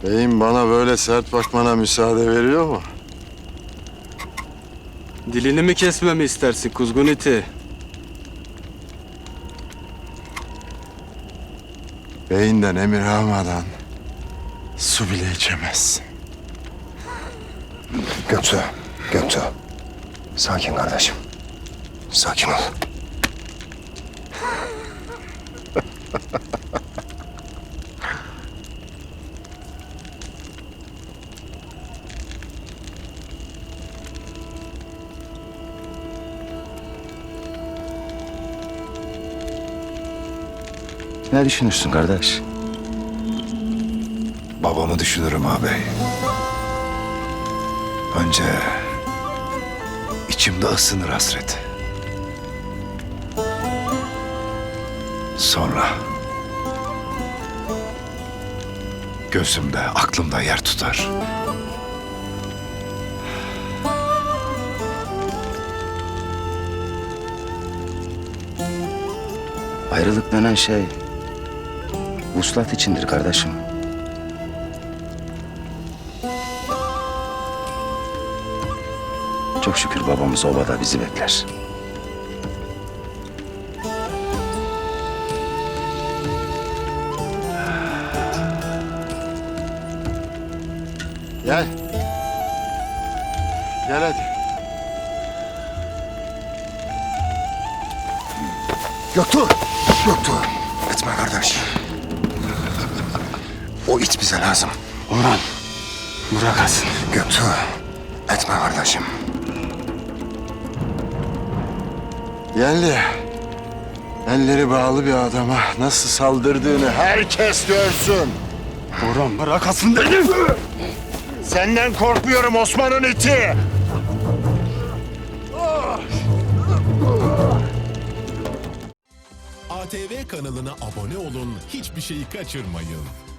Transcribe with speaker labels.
Speaker 1: Beyim bana böyle sert bakmana müsaade veriyor mu?
Speaker 2: Dilini mi kesmemi istersin kuzgun iti?
Speaker 1: Beyinden emir almadan su bile içemezsin.
Speaker 3: Göktuğ. Sakin kardeşim. Sakin ol. Ne düşünürsün kardeş?
Speaker 4: Babamı düşünürüm ağabey. Önce içimde ısınır hasret. Sonra gözümde, aklımda yer tutar.
Speaker 3: Ayrılık denen şey vuslat içindir kardeşim. Çok şükür babamız obada bizi bekler.
Speaker 1: Gel. Gel hadi.
Speaker 3: Göktuğ! Etme kardeş. O it bize lazım.
Speaker 2: Orhan, bırak Hasan.
Speaker 3: Göktuğ! Etme kardeşim.
Speaker 1: Yerli. Elleri bağlı bir adama nasıl saldırdığını herkes görsün.
Speaker 2: Orhan bırak Hasan dedim.
Speaker 1: Senden korkmuyorum Osman'ın iti.
Speaker 5: ATV kanalına abone olun, hiçbir şeyi kaçırmayın.